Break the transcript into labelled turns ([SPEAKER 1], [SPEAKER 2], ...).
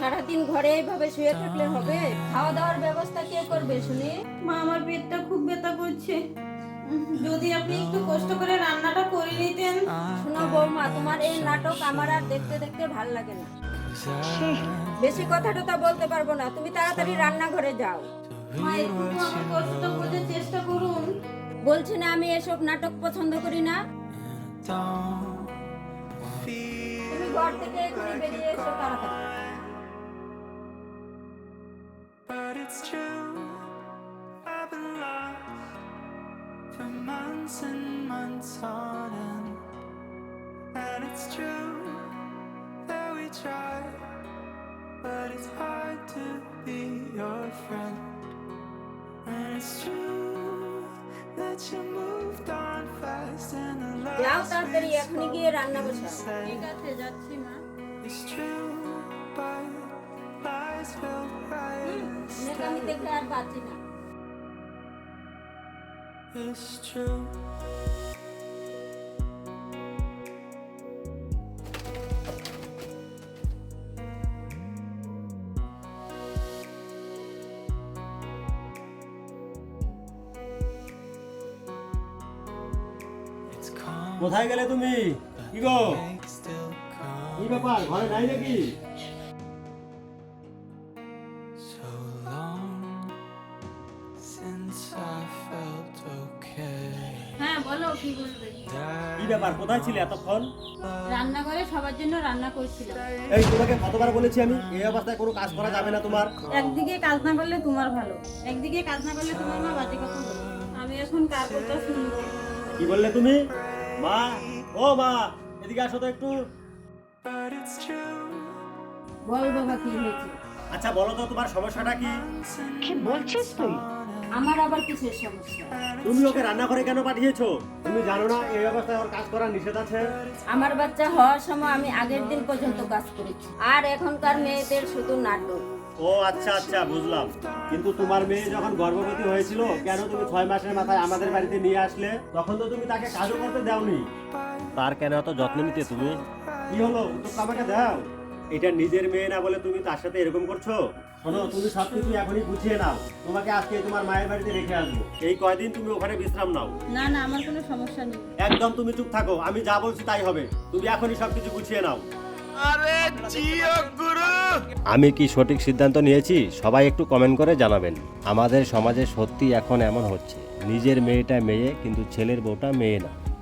[SPEAKER 1] সারাদিন ঘরে এইভাবে শুয়ে থাকলে হবে? খাওয়া দাওয়ার ব্যবস্থা কে করবে শুনি?
[SPEAKER 2] মা আমার পেটটা খুব ব্যথা করছে, যদি আপনি একটু কষ্ট করে রান্নাটা করে নিতেন।
[SPEAKER 1] শোনো বৌমা, তোমার এই নাটক আমার আর দেখতে দেখতে ভাল লাগে না। বেশি কথা টথা বলতে পারবো না, তুমি তাড়াতাড়ি রান্নাঘরে যাও।
[SPEAKER 2] মা একটু আমার কষ্টটা বোঝার চেষ্টা করুন।
[SPEAKER 1] বলছি না আমি এসব নাটক পছন্দ করি না। তুমি ঘর থেকে এখনই বেরিয়ে এসো তাড়াতাড়ি।
[SPEAKER 3] But it's true, I've been lost for months and months on end. And it's true that we try, but it's hard to be your friend. And it's true that you moved on fast and the
[SPEAKER 1] যাও
[SPEAKER 3] last
[SPEAKER 1] তাড়াতাড়ি, এখনই গিয়ে রান্না বসাও।
[SPEAKER 2] ঠিক আছে, যাচ্ছি মা।
[SPEAKER 3] is true, but lies felt right
[SPEAKER 1] অনেক আমি দেখে আর পাচ্ছি না।
[SPEAKER 3] It's true. It's calm,
[SPEAKER 4] কোথায় গেলে তুমি? কি গো,
[SPEAKER 3] makes still calm.
[SPEAKER 4] কি ব্যাপার, ঘরে নাই নাকি?
[SPEAKER 3] So long since I felt okay.
[SPEAKER 2] হ্যাঁ বলো, কি বলবে?
[SPEAKER 4] কি ব্যাপার, কোথায় ছিলে এতক্ষণ?
[SPEAKER 2] রান্নাঘরে সবার জন্য রান্না করছিলাম।
[SPEAKER 4] এই তোমাকে কতবার বলেছি আমি, এই অবস্থায় কোনো কাজ করা যাবে না তোমার।
[SPEAKER 2] একদিকে কাজ না করলে তোমার ভালো, একদিকে কাজ না করলে তোমার মা বাজে কথা বলে। আমি এখন কার কথা শুনবো?
[SPEAKER 4] কি বললে তুমি? মা, ও মা, এদিকে আসো তো একটু।
[SPEAKER 3] But it's true.
[SPEAKER 2] বল বাবা, কি হয়েছে?
[SPEAKER 4] আচ্ছা বলো তো তোমার সমস্যাটা কি?
[SPEAKER 1] কি বলছিস তুই? আমার আবার কিসের সমস্যা?
[SPEAKER 4] তুমি ওকে রান্নাঘরে কেন পাঠিয়েছো? তুমি জানো না এই অবস্থায় ওর কাজ করা নিষেধ আছে?
[SPEAKER 1] আমার বাচ্চা হওয়ার সময় আমি আগের দিন পর্যন্ত কাজ করেছি, আর এখনকার মেয়েদের শুধু নাটক।
[SPEAKER 4] ও আচ্ছা আচ্ছা, বুঝলাম। কিন্তু তোমার মেয়ে যখন গর্ভবতী হয়েছিল, কেন তুমি 6 মাসের মাথায় আমাদের বাড়িতে নিয়ে আসলে? তখন তো তুমি তাকে কাজও করতে দাওনি। তার কেন এত যত্ন নিতে তুমি? কি হলো, উত্তরটা আমাকে দাও। এটা নিজের মেয়ে না বলে তুমি তার সাথে এরকম করছো? শোনো, তুমি সবকিছু এখনই গুছিয়ে নাও। তোমাকে আজকে তোমার মায়ের বাড়িতে রেখে আসবো। এই কয়দিন তুমি ওখানে বিশ্রাম নাও।
[SPEAKER 2] না না, আমার কোনো সমস্যা নেই।
[SPEAKER 4] একদম তুমি চুপ থাকো, আমি যা বলছি তাই হবে। তুমি এখনই সবকিছু গুছিয়ে নাও। আমি কি সঠিক সিদ্ধান্ত নিয়েছি সবাই একটু কমেন্ট করে জানাবেন। আমাদের সমাজে সত্যি এখন এমন হচ্ছে, নিজের মেয়েটা মেয়ে কিন্তু ছেলের বউটা মেয়ে না।